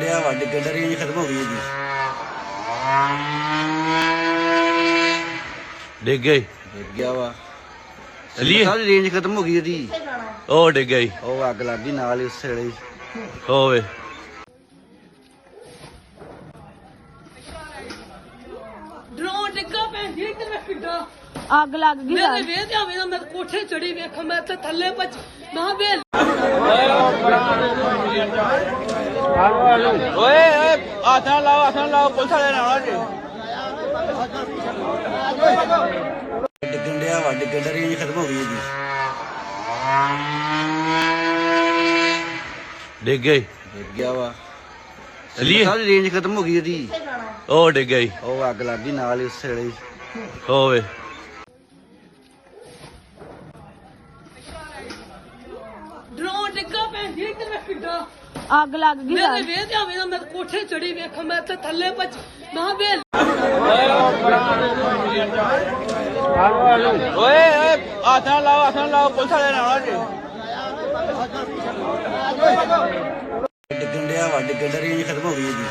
ਡਿਆ ਵਾ ਡਿੱਗਣ ਦਾ ਰੇਂਜ ਖਤਮ ਹੋ ਗਈ ਇਹਦੀ। ਡਿੱਗ ਗਈ ਡਿੱਗ ਗਿਆ ਵਾ ਚਲੀਏ ਸਾਰੀ ਰੇਂਜ ਖਤਮ ਹੋ ਗਈ ਇਹਦੀ। ਉਹ ਡਿੱਗ ਗਈ ਉਹ ਅੱਗ ਲੱਗ ਗਈ ਨਾਲ ਹੀ ਉਸੇ ਵੇਲੇ ਹੀ। ਹੋਵੇ ਡਰੋਨ ਡਿੱਗਾ ਭੈਣ ਜੀ ਇੱਧਰ ਮੈਂ ਕਿੱਡਾ ਅੱਗ ਲੱਗ ਗਈ ਮੇਰੇ ਵੇਹ ਤੇ ਆਵੇਂ ਨਾ ਮੈਂ ਕੋਠੇ ਚੜੀ ਵੇਖ ਮੈਂ ਤੇ ਥੱਲੇ ਪਚ ਨਾ ਵੇਲ ਓਏ ਆਸਾਂ ਲਾਓ ਪੁਲਿਸ ਵਾਲੇ ਨਾਲ ਜੀ ਡਿੱਗਣ ਡਿਆ ਵਾ ਡਿੱਗਣ ਦਾ ਰੇਂਜ ਖਤਮ ਹੋ ਗਈ ਇਹਦੀ। ਡਿੱਗ ਗਈ ਡਿੱਗ ਗਿਆ ਵਾ ਚਲੀਏ ਸਾਰੀ ਰੇਂਜ ਖਤਮ ਹੋ ਗਈ ਇਹਦੀ। ਉਹ ਡਿੱਗ ਗਈ ਉਹ ਅੱਗ ਲੱਗ ਗਈ ਨਾਲ ਹੀ ਉਸੇ ਵੇਲੇ ਹੀ। ਹੋਵੇ ਡਰੋਨ ਡਿੱਗਾ ਭੈਣ ਜੀ ਇੱਧਰ ਮੈਂ ਕਿੱਡਾ ਅੱਗ ਲੱਗ ਗਈ ਮੇਰੇ ਵੇਹ ਤੇ ਆਵੇਂ ਨਾ ਮੈਂ ਕੋਠੇ ਚੜੀ ਵੇਖ ਮੈਂ ਤੇ ਥੱਲੇ ਪਚ ਨਾ ਵੇਲ ਓਏ ਆਸਾਂ ਲਾਓ ਪੁਲਿਸ ਵਾਲੇ ਨਾਲ ਜੀ ਡਿੱਗਣ ਡਿਆ ਵਾ ਡਿੱਗਣ ਦਾ ਰੇਂਜ ਖਤਮ ਹੋ ਗਈ ਇਹਦੀ।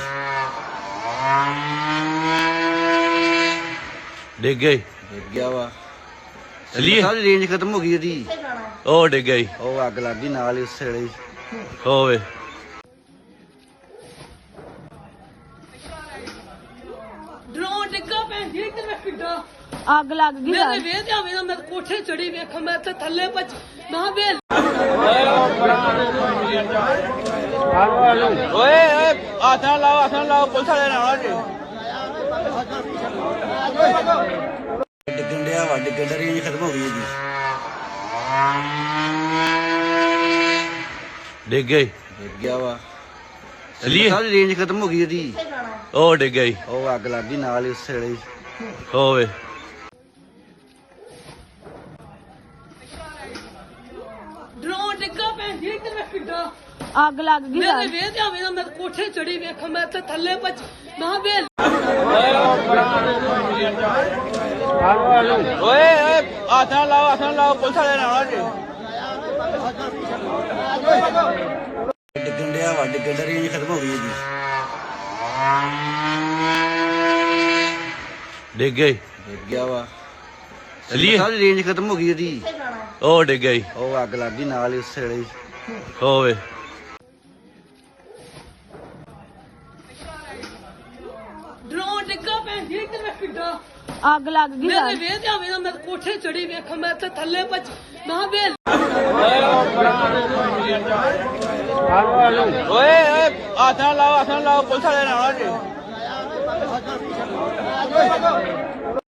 ਡਿੱਗ ਗਈ ਡਿੱਗ ਗਿਆ ਵਾ ਚਲੀਏ ਸਾਰੀ ਰੇਂਜ ਖਤਮ ਹੋ ਗਈ ਇਹਦੀ। ਉਹ ਡਿੱਗ ਗਈ ਉਹ ਅੱਗ ਲੱਗ ਗਈ ਨਾਲ ਹੀ ਉਸੇ ਵੇਲੇ ਹੀ। ਹੋਵੇ ਡਰੋਨ ਡਿੱਗਾ ਭੈਣ ਜੀ ਇੱਧਰ ਮੈਂ ਕਿੱਡਾ ਅੱਗ ਲੱਗ ਗਈ ਮੇਰੇ ਵੇਹ ਤੇ ਆਵੇਂ ਨਾ ਮੈਂ ਕੋਠੇ ਚੜੀ ਵੇਖ ਮੈਂ ਤੇ ਥੱਲੇ ਪਚ ਨਾ ਵੇਲ ਓਏ ਆਸਾਂ ਲਾਓ ਪੁਲਿਸ ਵਾਲੇ ਨਾਲ ਜੀ ਡਿੱਗਣ ਡਿਆ ਵਾ ਡਿੱਗਣ ਦਾ ਰੇਂਜ ਖਤਮ ਹੋ ਗਈ ਇਹਦੀ। ਡਿੱਗ ਗਈ ਡਿੱਗ ਗਿਆ ਵਾ ਚਲੀਏ ਸਾਰੀ ਰੇਂਜ ਖਤਮ ਹੋ ਗਈ ਇਹਦੀ। ਉਹ ਡਿੱਗ ਗਈ ਉਹ ਅੱਗ ਲੱਗ ਗਈ ਨਾਲ ਹੀ ਉਸੇ ਵੇਲੇ ਹੀ। ਹੋਵੇ ਡਰੋਨ ਡਿੱਗਾ ਭੈਣ ਜੀ ਇੱਧਰ ਮੈਂ ਕਿੱਡਾ ਅੱਗ ਲੱਗ ਗਈ ਮੇਰੇ ਵੇਹ ਤੇ ਆਵੇਂ ਨਾ ਮੈਂ ਕੋਠੇ ਚੜੀ ਵੇਖ ਮੈਂ ਤੇ ਥੱਲੇ ਪਚ ਨਾ ਵੇਲ ਓਏ ਆਸਾਂ ਲਾਓ ਪੁਲਿਸ ਵਾਲੇ ਨਾਲ ਜੀ ਡਿੱਗਣ ਡਿਆ ਵਾ ਡਿੱਗਣ ਦਾ ਰੇਂਜ ਖਤਮ ਹੋ ਗਈ ਇਹਦੀ। ਡਿੱਗ ਗਈ ਡਿੱਗ ਗਿਆ ਵਾ ਚਲੀਏ ਸਾਰੀ ਰੇਂਜ ਖਤਮ ਹੋ ਗਈ ਇਹਦੀ। ਉਹ ਡਿੱਗ ਗਈ ਉਹ ਅੱਗ ਲੱਗ ਗਈ ਨਾਲ ਹੀ ਉਸੇ ਵੇਲੇ ਹੀ। ਹੋਵੇ ਡਰੋਨ ਡਿੱਗਾ ਭੈਣ ਜੀ ਇੱਧਰ ਮੈਂ ਕਿੱਡਾ ਅੱਗ ਲੱਗ ਗਈ ਮੇਰੇ ਵੇਹ ਤੇ ਆਵੇਂ ਨਾ ਮੈਂ ਕੋਠੇ ਚੜੀ ਵੇਖ ਮੈਂ ਤੇ ਥੱਲੇ ਪਚ ਨਾ ਵੇਲ ਓਏ ਆਸਾਂ ਲਾਓ ਪੁਲਿਸ ਵਾਲੇ ਨਾਲ ਜੀ